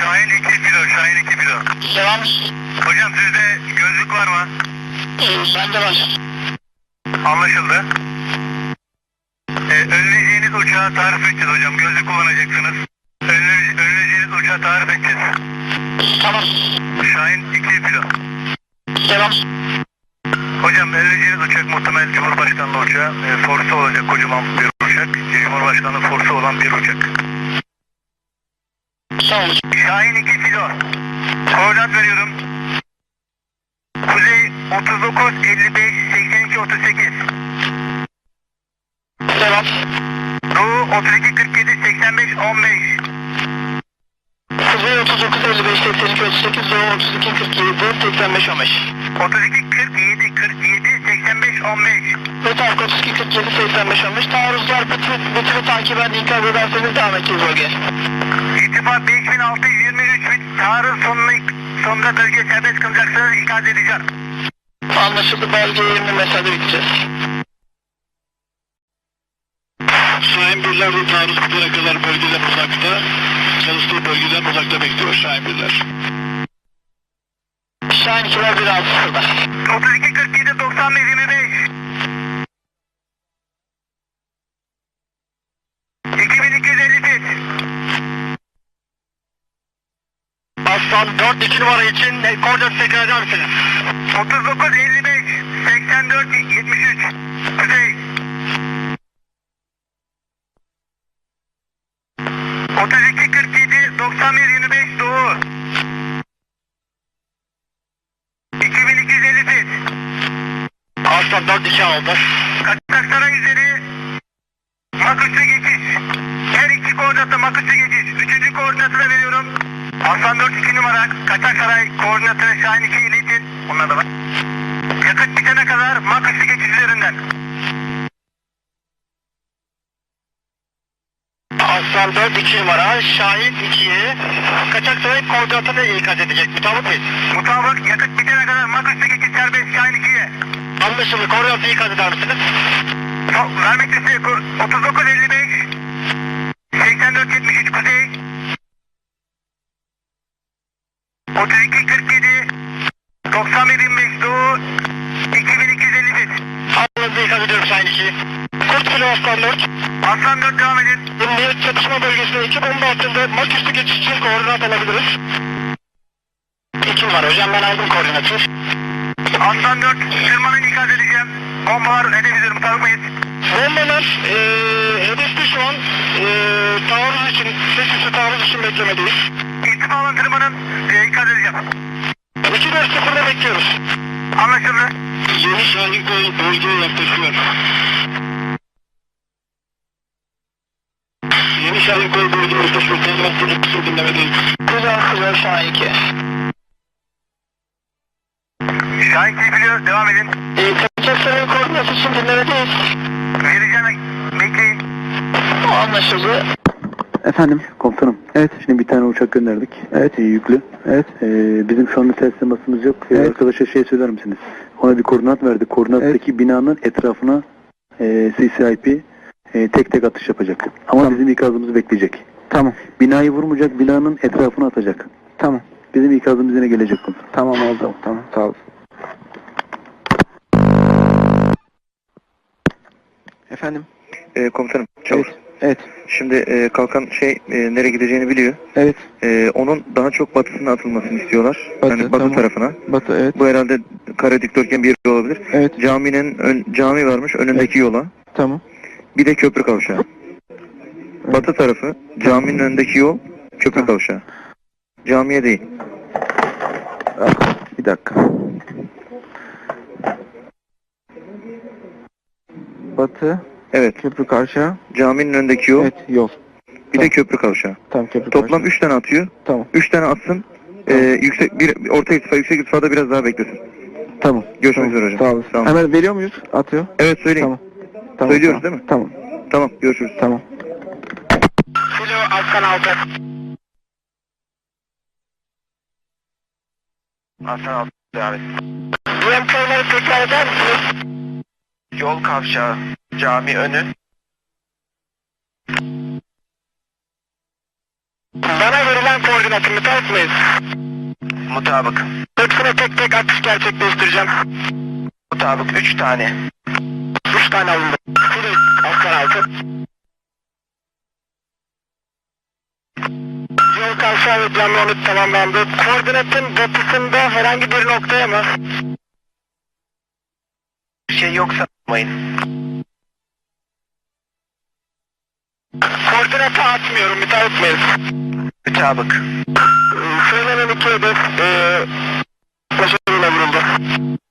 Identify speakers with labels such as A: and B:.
A: Şahin 2 filo, Şahin 2 filo.
B: Devam.
A: Hocam sizde gözlük var mı?
B: Bende var.
A: Anlaşıldı. Önleyeceğiniz uçağı tarif edeceğiz hocam. Gözlük kullanacaksınız. Önleyeceğiniz uçağı tarif edeceğiz.
B: Tamam.
A: Şahin 2 filo.
B: Devam.
A: Hocam önleyeceğiniz uçak muhtemel Cumhurbaşkanlığı uçağı. Forsu olacak kocaman bir uçak. Cumhurbaşkanlığı forsu olan bir uçak.
B: Sağ olun.
A: Şahin 2 filo. Koordinat veriyorum. Kuzey 39 55 82 38.
B: Devam.
A: Doğu 32 47 85 15.
B: Kuzey 39 55 82 38 Doğu 32 47 85 15.
A: 32 47 47 85 15.
B: Ve tarih 32 47 85 15. Taarruzlar bütünü takiben ikaz ederseniz devam edeceğiz bölgeye.
A: İrtifa 5623 fit. Taarruz sonunda bölgeye serbest kılacaksınız. İkaz edeceğim.
B: Anlaşıldı. Belge 20 mesafede biteceğiz.
C: Şahin birler de taarruz bitene kadar bölgeden uzakta, çalıştığı bölgeden uzakta bekliyor Şahin birler.
B: Şahin 2'ler 1.6'da.
A: 32 47 95 25. 2250 fit.
B: Aslan 4 2 numara için koordinat tekrar eder misiniz?
A: 39 55 84 73. Kuzey. 32 47 91 25 Doğu. 2250 fit.
B: Aslan 4 2 aldı.
A: Kaçaksaray üzeri Maküs'e geçiş. Her iki koordinatta Maküs'e geçiş. Üçüncü koordinatı da veriyorum. Aslan 4 2 numara Kaçaksaray koordinatı Şahin 2 iletin. Onlar da var. Yakıt bitene kadar Maküs'e geçiş üzerinden.
B: Aslan 4 2 numara Şahin 2'ye Kaçaksaray koordinatını ikaz edecek. Mutabık mıyız?
A: Mutabık yakıt bitene kadar Maküs'e geçiş serbest Şahin 2'ye.
B: Anlaşıldı. Koordinatı ikaz eder misiniz?
A: Vermek isteği 39 55 84 73 Kuzey. 32 47 91 25 Doğu. 2250 fit.
B: Anlaşıldı. İkaz ediyorum Şahin 2'yi. Kurt kilo Aslan 4.
A: Aslan 4 devam edin.
B: Emniyet çatışma bölgesinde 2 bomba altında Maküs'ü geçiş için koordinat alabiliriz. 2 numara hocam ben aldım koordinatı.
A: Aslan 4 tırmanın ikaz edeceğim. Bombalar hedef üzeri mutabık mıyız?
B: Bombalar hedefte şu an taarruz için, sesüstü taarruz için beklemedeyiz.
A: İrtifa alan tırmanın ikaz edeceğim.
B: 2-4-0'da bekliyoruz.
A: Anlaşıldı.
C: Yeni Şahin kol bölgeye yaklaşıyor. Yeni Şahin kol bölgeye yaklaşıyor. Tanımak çocuklusu dinlemedeyiz.
B: Güzel Şahin 2.
A: Şahin biliyor devam edin.
B: Kaçaksaray koordinatı için dinlemedeyiz.
A: Vereceğim bekleyin.
B: Anlaşıldı.
D: Efendim komutanım. Evet. Şimdi bir tane uçak gönderdik. Evet. Yüklü. Evet. Bizim şu anda ters temasımız yok. Evet. Arkadaşa şey söyler misiniz? Ona bir koordinat verdik. Koordinattaki binanın etrafına CCIP tek tek atış yapacak. Ama bizim ikazımızı bekleyecek. Tamam. Binayı vurmayacak, binanın etrafına atacak. Tamam. Bizim ikazımız yine gelecek komutanım. Tamam oldu. Tamam. Sağ olun.
E: Efendim?
A: Komutanım çavuş.
E: Evet.
A: Şimdi kalkan nereye gideceğini biliyor.
E: Evet.
A: Onun daha çok batısına atılmasını istiyorlar. Batı
E: tamam.
A: tarafına.
E: Batı evet.
A: Bu herhalde kare dikdörtgen bir yer olabilir.
E: Evet.
A: Cami varmış önündeki yola.
E: Tamam.
A: Bir de köprü kavşağı.
E: Evet.
A: Batı tarafı caminin önündeki yol köprü kavşağı. Camiye değil.
E: Bir dakika. Batı.
A: Evet.
E: Köprü kavşağı.
A: Caminin önündeki yol.
E: Evet yol.
A: Bir de köprü kavşağı.
E: Tamam köprü
A: Toplam
E: kavşağı.
A: 3 tane atıyor.
E: Tamam.
A: 3 tane atsın. Orta irtifa, yüksek irtifada biraz daha beklesin.
E: Tamam.
A: Görüşmek
E: tamam.
A: üzere hocam.
E: Sağ olasın.
A: Tamam.
E: Hemen veriyor muyuz? Atıyor.
A: Evet söyleyin.
E: Tamam. Tamam.
A: Söylüyoruz
E: tamam.
A: değil mi?
E: Tamam.
A: Tamam görüşürüz.
E: Tamam.
B: Kilo Aslan 6.
A: Aslan 6 devam et.
B: UMK'ları tekrar eder misiniz?
A: Yol kavşağı, cami önü.
B: Bana verilen koordinatı müsait miyiz?
F: Mutabık.
B: Hepsine tek tek atış gerçekleştireceğim.
F: Mutabık 3 tane.
B: 3 tane alındı. Şurayı aslan altı. Yol kavşağı ve canlı onu tamamlandı. Koordinatın batısında herhangi bir noktaya mı?
F: Bir şey yoksa yapmayın.
B: Koordinatı atmıyorum, müsait miyiz?
F: Mutabık.
B: Söylenen iki hedef başarıyla vuruldu.